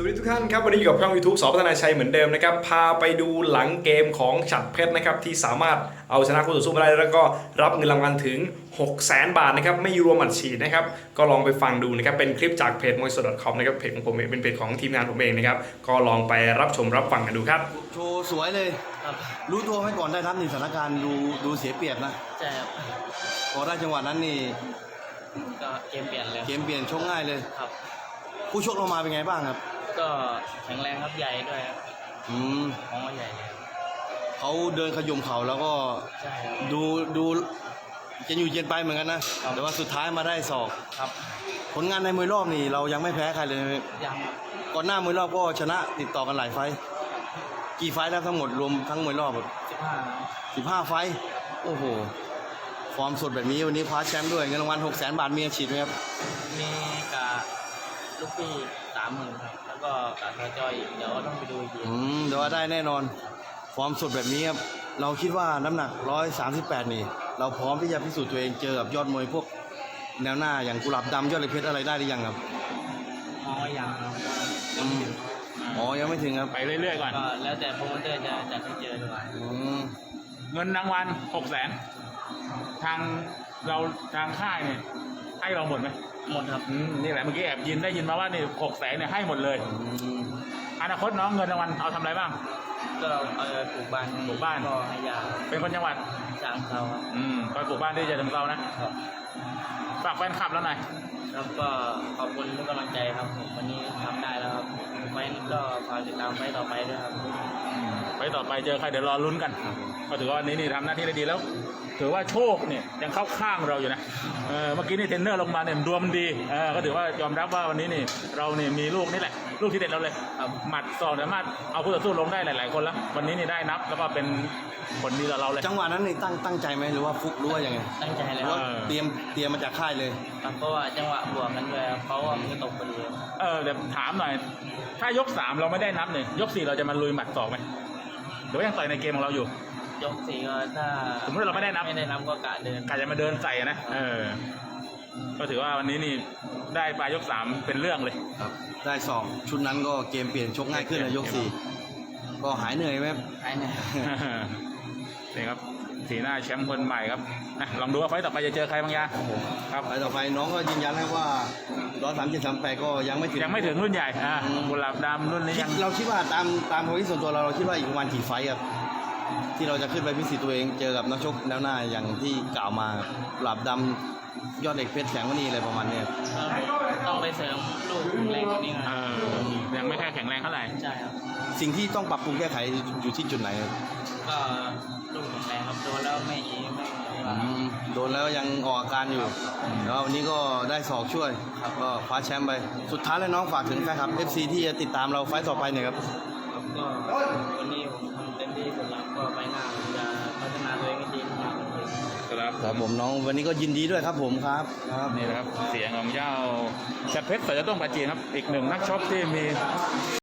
สวัสดีทุกท่านครับวันนี้อยู่กับช่อง YouTube สอพัฒนาชัยเหมือนเดิมนะครับพาไปดูหลังเกมของฉัตรเพชรนะครับที่สามารถเอาชนะคู่ต่อสู้มาได้แล้วก็รับเงินรางวัลถึง 600,000 บาทนะครับไม่รวมอัดฉีดนะครับก็ลองไปฟังดูนะครับเป็นคลิปจากเพจมวยสด .com นะครับเพจของผมเองเป็นเพจของทีมงานผมเองนะครับก็ลองไปรับชมรับฟังกันดูครับโชว์สวยเลยครับรู้ตัวไหมก่อนได้รับนี่สถานการณ์ดูเสียเปรียบนะใช่ครับพอได้จังหวะนั้นนี่ก็เกมเปลี่ยนเลยเกมเปลี่ยนชกง่ายเลยครับผู้ชกเรามาเป็นไงบ้างครับก็แข็งแรงครับใหญ่ด้วยครับมองว่าใหญ่เลยเขาเดินขยุ่มเข่าแล้วก็ใช่ครับดูจะอยู่เย็นไปเหมือนกันนะแต่ว่าสุดท้ายมาได้ศอกครับผลงานในมวยรอบนี่เรายังไม่แพ้ใครเลยยังก่อนหน้ามวยรอบก็ชนะติดต่อกันหลายไฟต์กี่ไฟต์แล้วทั้งหมดรวมทั้งมวยรอบ15 ไฟต์โอ้โหฟอร์มสดแบบนี้วันนี้คว้าแชมป์ด้วยเงินรางวัล 600,000 บาทมีอาชีพไหมครับมีกับลูกพี่30,000ครับแล้วก็กับจอยอีกเดี๋ยวต้องไปดูอีกทีเดี๋ยวว่าได้แน่นอนฟอร์มสดแบบนี้ครับเราคิดว่าน้ำหนัก138นี่เราพร้อมที่จะพิสูจน์ตัวเองเจอกับยอดมวยพวกแนวหน้าอย่างกุหลาบดำยอดเหล็กเพชรอะไรได้หรือยังครับมองว่ายังครับยังไม่ถึงครับไปเรื่อยๆก่อนก็แล้วแต่โปรโมเตอร์จะจัดให้เจอด้วยเงินรางวัล600,000ทางค่ายเนี่ยให้เราหมดไหมหมดครับนี่แหละเมื่อกี้แอบได้ยินมาว่านี่600,000เนี่ยให้หมดเลยอนาคตน้องเงินรางวัลเอาทำอะไรบ้างก็เอาปลูกบ้านก็ให้ยาเป็นคนจังหวัดฉะเชิงเทราไปปลูกบ้านที่ฉะเชิงเทรานะฝากแฟนคลับแล้วหน่อยครับก็ขอบคุณทุกกำลังใจครับวันนี้ทำได้แล้วครับไฟก็ฝากติดตามไฟต่อไปด้วยครับไฟต่อไปเจอใครเดี๋ยวรอลุ้นกันก็ถือว่าวันนี้นี่ทำหน้าที่ได้ดีแล้วถือว่าโชคเนี่ยยังเข้าข้างเราอยู่นะเมื่อกี้นี่เทรนเนอร์ลงมาเนี่ยดวงมันดีก็ถือว่ายอมรับว่าวันนี้นี่เราเนี่ยมีลูกนี่แหละลูกที่เด็ดเราเลยหมัดศอกสามารถเอาคู่ต่อสู้ลงได้หลายๆคนแล้ววันนี้นี่ได้นับแล้วก็เป็นผลดีต่อเราเลยจังหวะนั้นนี่ตั้งใจไหมหรือว่าฟุกรู้ว่ายังไงตั้งใจเลยเตรียมมาจากค่ายเลยเพราะว่าจังหวะบวกกันด้วยเขาว่ามันตกพอดีเดี๋ยวถามหน่อยถ้ายก3เราไม่ได้นับเนี่ยยก4เราจะมาลุยหมัดศอกไหมหรือว่ายังต่อยในเกมของเราอยู่ยก4ก็ถ้าสมมติเราไม่ได้นับก็กะจะมาเดินใส่นะก็ถือว่าวันนี้นี่ได้ปลายยก3เป็นเรื่องเลยครับได้2ชุดนั้นก็เกมเปลี่ยนชกง่ายขึ้นในยก4ก็หายเหนื่อยไหมหายเหนื่อยนี่ครับสีหน้าแชมป์คนใหม่ครับลองดูว่าไฟต่อไปจะเจอใครบางอย่างครับไฟต่อไปน้องก็ยืนยันให้ว่า137-138ก็ยังไม่ถึงรุ่นใหญ่กุหลาบดำรุ่นนี้ยังเราคิดว่าตามความคิดส่วนตัวเราคิดว่าอีกประมาณกี่ไฟครับที่เราจะขึ้นไปพิสูจน์ตัวเองเจอกับนักชกแนวหน้าอย่างที่กล่าวมากุหลาบดำยอดเหล็กเพชรแข็งวันนี้อะไรประมาณนี้ต้องไปเสริมลูกแรงกว่านี้ยังไม่แค่แข็งแรงเท่าไหร่ใช่ครับสิ่งที่ต้องปรับปรุงแก้ไขอยู่ที่จุดไหนก็ลูกแข็งแรงครับโดนแล้วไม่โดนแล้วยังออกอาการอยู่แล้ววันนี้ก็ได้ศอกช่วยก็คว้าแชมป์ไปสุดท้ายแล้วน้องฝากถึงแฟนคลับ FC ที่จะติดตามเราไฟต์ต่อไปเนี่ยครับก็วันนี้ผมทำเต็มที่สุดแล้วก็ไปหน้าจะพัฒนาตัวเองให้ดีขึ้นครับผมน้องวันนี้ก็ยินดีด้วยครับผมครับนี่นะครับเสียงของเจ้าฉัตรเพชรสายต้องปราจีนครับอีกหนึ่งนักชกที่มี